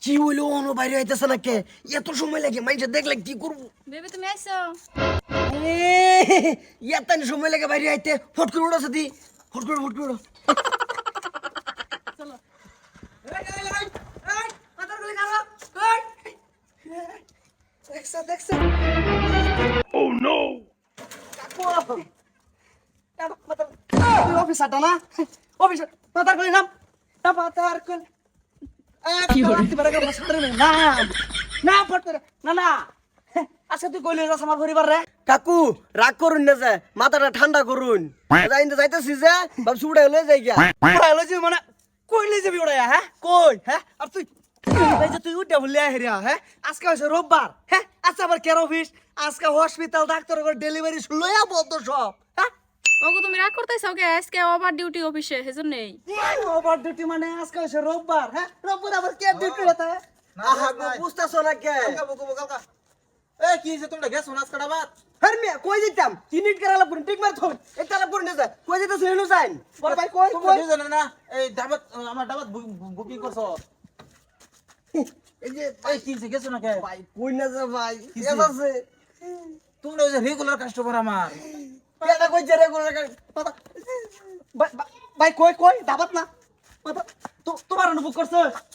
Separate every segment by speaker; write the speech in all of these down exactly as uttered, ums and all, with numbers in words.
Speaker 1: কি হইলো অনু বাইরে আইতেছে না কে? এত সময় লাগে মাইনছে দেখলে কি করবো?
Speaker 2: বেবি তুমি আইছো?
Speaker 1: এ এত সময় লাগে বাইরে আইতে ফট করে উড়ো সাথী ফট করে ফট করে চলো এই এই এই এই মাথার গলি কারো এই দেখছ দেখছ ও নো কাকু কাকু মাথার তুই অফিসারটা না অফিসার মাথার গলি নাম না মাথার গলি কি হলো না না ফট করে না না আচ্ছা তুই কইলে যাস আমার পরিবার রে কাকু রাগ করুন না যে মাথাটা ঠান্ডা করুন যাইতে যাইতেছি যে ভাবছি উড়াই লই যাই গিয়া উড়াই লই যাবি মানে কইলে যাবি উড়াইয়া হ্যাঁ কই হ্যাঁ আর তুই এই যে তুই উঠে বললি হেরিয়া হ্যাঁ আজকে হইছে রোববার হ্যাঁ আচ্ছা আবার কেয়ার অফিস আজকে হসপিটাল ডাক্তার করে ডেলিভারি লইয়া বন্ধ সব হ্যাঁ
Speaker 2: ওগো তুমি রাগ করতেছো কে? আজকে ওভার ডিউটি অফিসে সেজন্যই।
Speaker 1: ওভার ডিউটি মানে আজকে হইছে রোববার হ্যাঁ রোববার আবার কে ডিউটি হতা আহা গো বুঝতাছ না কে
Speaker 3: কালকা বকো কালকা এ কি হইছে তোমরা গেছো নাচ কাটা বাত
Speaker 1: হর মিয়া কই দিতাম তিনিট করালা পুরি ঠিক মার থই এটা লা পুরি না যায় কই দিতাছ হেনু যাইন বড় ভাই কই
Speaker 3: তোমরা
Speaker 1: কই
Speaker 3: দুজনে না এই দাবাত আমার দাবাত বুকিং করছো
Speaker 1: এই যে
Speaker 3: এই কি হইছে গেছো না কে
Speaker 1: ভাই কই না যা ভাই
Speaker 3: কিসে?
Speaker 1: এস আছে
Speaker 3: তোমরা ওই যে রেগুলার কাস্টমার আমার
Speaker 1: এটা কই জেরে কোন ভাই কই কই দাবাত না তো তোমার অনুভব করছ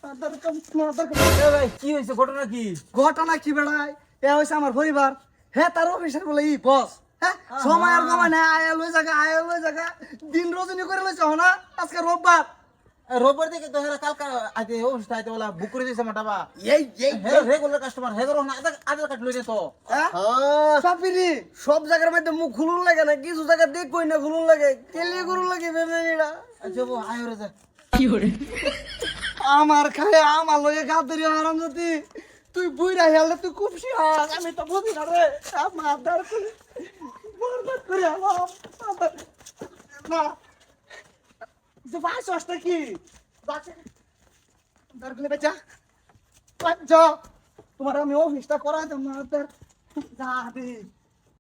Speaker 3: এ ভাই কি হইছে ঘটনা কি
Speaker 1: ঘটনা কি বেড়াই এ হইছে আমার পরিবার হে তার অফিসার বলে ই বস হ্যাঁ সময় আর কমা না আয়া লই জায়গা আয়া লই জায়গা দিন রজনী করে লইছ না আজকে রোববার
Speaker 3: রোববার থেকে তো হেরা কালকা আইতে অবস্থা আইতে বলা বুক করে দিয়েছে আমার ডাবা
Speaker 1: এই এই
Speaker 3: হে রেগুলার কাস্টমার হে ধরো না আধার আধার কার্ড লইছে তো
Speaker 1: হ্যাঁ সাপিরি সব জায়গার মধ্যে মুখ খুলুন লাগে না কিছু জায়গা দেখ কই না খুলুন লাগে কেলি করুন লাগে বেবেটা
Speaker 3: আচ্ছা বো আয় রে যা
Speaker 1: আমার খায় আমার লগে গাদরি আরাম যদি তুই বুইরা হেলে তুই খুব শিয়াস আমি তো বুঝি না রে আমার দার করে বরবাদ করে আলাম না যে বাস আসতে কি বাসে দার করে বেচা যা তোমার আমি অফিসটা করা দেব না যা দে